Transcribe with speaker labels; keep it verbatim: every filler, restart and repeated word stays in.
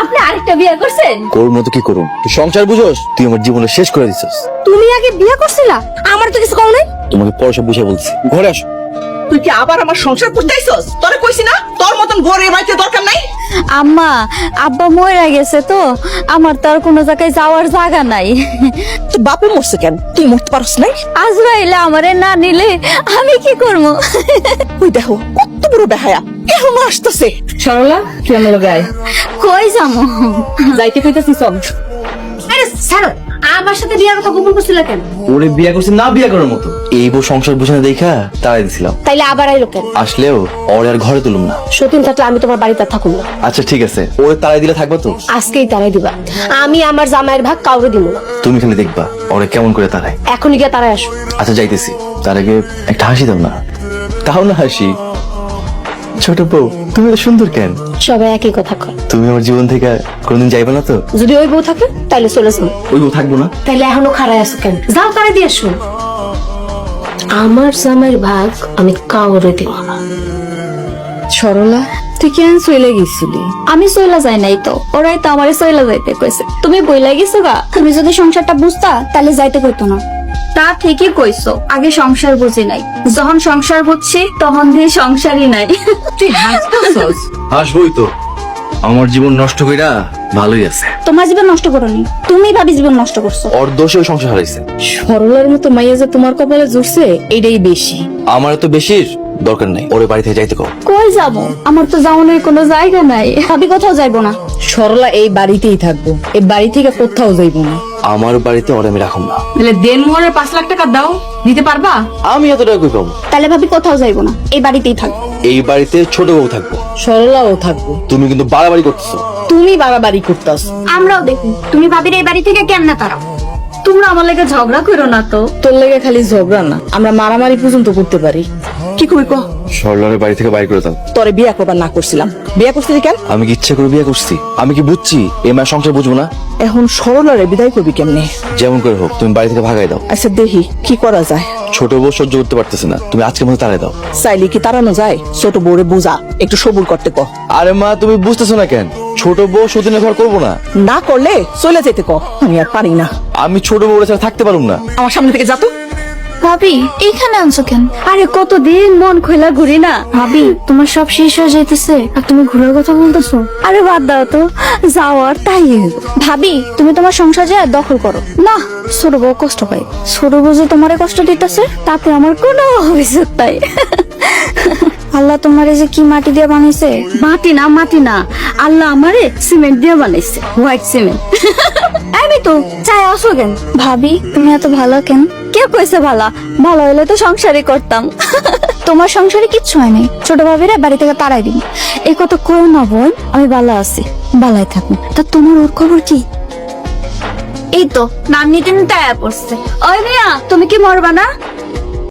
Speaker 1: আপনি আরেকটা বিয়ে করছেন?
Speaker 2: কোর মতো কি করুম, তুই সংসার বুঝোস? তুই আমার জীবনে শেষ করে দিছিস।
Speaker 1: তুমি আগে বিয়ে করছিলা, আমার তো কিছু কও নাই।
Speaker 2: তোমাকে পরে সব বুঝে বলছি, ঘরে আসো।
Speaker 3: তুই কি আবার আমার সংসার করতে আইছস? তোরে কইছি না তোর মতন গরে বাড়িতে দরকার নাই।
Speaker 1: আম্মা, আব্বা মরে গেছে তো, আমার তো আর কোনো জায়গায় যাওয়ার জায়গা নাই।
Speaker 3: তুই বাপে মরছে কেন? তুই মরতে পারস নাই?
Speaker 1: আজরাইলে আমারে না নিলে আমি কি করবো?
Speaker 3: তুই দেখো কত বড় বেহায়া এখন আসতেছে।
Speaker 4: সরলা তুই আমার লগে আয়,
Speaker 1: কই যাবো?
Speaker 4: যাইতে কইতাছি চল।
Speaker 1: আরে ছাড়ো, আমার সাথে বিয়ার কথা গোপন করছিল কেন?
Speaker 2: ওরে বিয়ে করছি না বিয়ে করার মতো, এই বউ সংসার বুঝে না দেখা তাড়াই দিছিলাম।
Speaker 1: তাইলে আবার আইলো কেন?
Speaker 2: আসলেও ওরে আর ঘরে তুলুম না।
Speaker 1: সতীন থাকলে আমি তোমার বাড়িতে থাকুম না।
Speaker 2: আচ্ছা ঠিক আছে, ওরে তাড়াই দিলে থাকবা তো?
Speaker 1: আজকেই তারাই দিবা, আমি আমার জামাইয়ের ভাগ কাউরে দিব না।
Speaker 2: তুমি খালি দেখবা ওরে কেমন করে তাড়াই।
Speaker 1: এখনই গিয়ে তারাই আসো।
Speaker 2: আচ্ছা যাইতেছি, তার আগে একটা হাসি দাও না। তাও না হাসি। ছোট বউ তুমি এত সুন্দর কেন?
Speaker 1: সবাই একই কথা কয়।
Speaker 2: তুমি আমার জীবন থেকে কোনদিন যাইবে না তো?
Speaker 1: যদি ওই বউ থাকে তাইলে চলে যাবো।
Speaker 2: ওই বউ থাকবো না?
Speaker 1: তাইলে এখনো খাড়াই আছো কেন? যাও তারা দিয়ে আসো। আমার জামাইয়ের ভাগ আমি কাউরে দিব না।
Speaker 4: সরলা তুই কেন চলে গেছিলি?
Speaker 1: আমি সইলা যাই নাই তো, ওরাই তো আমারে সইলা যাইতে কইছে। তুমি বইলা গেছো গা, তুমি যদি সংসারটা বুঝতা তাহলে যাইতে কইতো না। তা ঠিকই কইছো, আগে সংসার বুঝি নাই, যখন সংসার বুঝছি তখন দিয়ে সংসারই নাই।
Speaker 4: তুই হাসতেছস?
Speaker 2: হাসবই তো, আমার জীবন নষ্ট কইরা ভালোই আছে।
Speaker 1: তোমার জীবন নষ্ট করোনি, তুমি ভাবি জীবন নষ্ট করছো।
Speaker 2: ওর দোষে ওই সংসার হারাইছে।
Speaker 4: সরলার মতো মাইয়া যে তোমার কপালে জুড়ছে এটাই বেশি।
Speaker 2: আমার তো বেশির দরকার নাই, ওরে বাড়ি থেকে যাইতে কও।
Speaker 1: কই যাবো? আমার তো যাওয়ানোর কোনো জায়গা নাই, ভাবি কোথাও যাইবো না।
Speaker 4: সরলা এই বাড়িতেই থাকবো, এই বাড়ি থেকে কোথাও যাইবো না।
Speaker 2: আমার বাড়িতে ওরে আমি রাখুম না।
Speaker 4: তাহলে দেন মোহরের পাঁচ লাখ টাকা দাও, দিতে পারবা?
Speaker 2: আমি এত টাকা কই পাবো?
Speaker 1: তাহলে ভাবি কোথাও যাইবো না, এই বাড়িতেই থাকবো।
Speaker 2: এই বাড়িতে ছোট বউ থাকবো।
Speaker 4: সরলাও থাকবো।
Speaker 2: তুমি কিন্তু বাড়াবাড়ি করতেছো।
Speaker 4: তুমি বাড়াবাড়ি করতাস।
Speaker 1: আমরাও দেখি তুমি ভাবির এই বাড়ি থেকে কেমনে তারাও। তোমরা আমার লেগে ঝগড়া করো না তো।
Speaker 4: তোর লেগে খালি ঝগড়া না, আমরা মারামারি পর্যন্ত করতে পারি।
Speaker 3: কি কই ক?
Speaker 2: সরলারের বাড়ি থেকে বাইর করে দাও।
Speaker 3: তোরে বিয়া করবার না করছিলাম, বিয়া করছিলি কেন?
Speaker 2: আমি কি ইচ্ছা করে বিয়ে করছি? আমি কি বুঝছি এই মায়ের সংসার বুঝবো না?
Speaker 3: এখন সরলারে বিদায় করবি কেমনে?
Speaker 2: যেমন করে হোক তুমি বাড়ি থেকে ভাগাই দাও।
Speaker 3: আচ্ছা দেখি কি করা যায়।
Speaker 2: ছোট বউ সহ্য করতে পারতেছে না, তুমি আজকের মতো তাড়াই দাও।
Speaker 3: চাইলে কি তাড়ানো যায়? ছোট বউরে বুঝা, একটু সবুর করতে ক।
Speaker 2: আরে মা তুমি বুঝতেছো না কেন? ছোট বউ সতীনের ঘর করবো না।
Speaker 3: না করলে চলে যেতে ক। আমি আর পারি না,
Speaker 2: আমি ছোট বউ ছাড়া থাকতে পারুম না।
Speaker 3: আমার সামনে থেকে যা তো।
Speaker 1: ভাবি এখানে আনছো কেন? আরে কতদিন মন খোলা ঘুরি না। ভাবি তোমার সব শেষ হয়ে যাইতেছে আর তুমি ঘুরার কথা বলতেছো। আরে বাদ দাও তো, যাওয়ার তাই। ভাবি তুমি তোমার সংসার যা দখল করো না। ছোট বউ কষ্ট পাই, ছোট বউ যে তোমারে কষ্ট দিতেছে তাতে আমার কোনো অভিযোগ নাই। আল্লাহ তোমারে যে কি মাটি দিয়ে বানাইছে। মাটি না মাটি না, আল্লাহ আমারে সিমেন্ট দিয়ে বানাইছে, হোয়াইট সিমেন্ট। আমি তো চাই আসো কেন? ভাবি তুমি এত ভালো কেন? কে কইছে ভালো? ভালো হইলে তো সংসারই করতাম। তোমার সংসারে কিচ্ছু হয়নি, ছোট ভাবিরা বাড়ি থেকে তাড়াই দিন। এই কথা কইও না বোন, আমি ভালো আছি, ভালোই থাকুন। তা তোমার ওর খবর কি? এই তো নাম নিতে নিতে আয়া পড়ছে। ওই মিয়া তুমি কি মরবা না?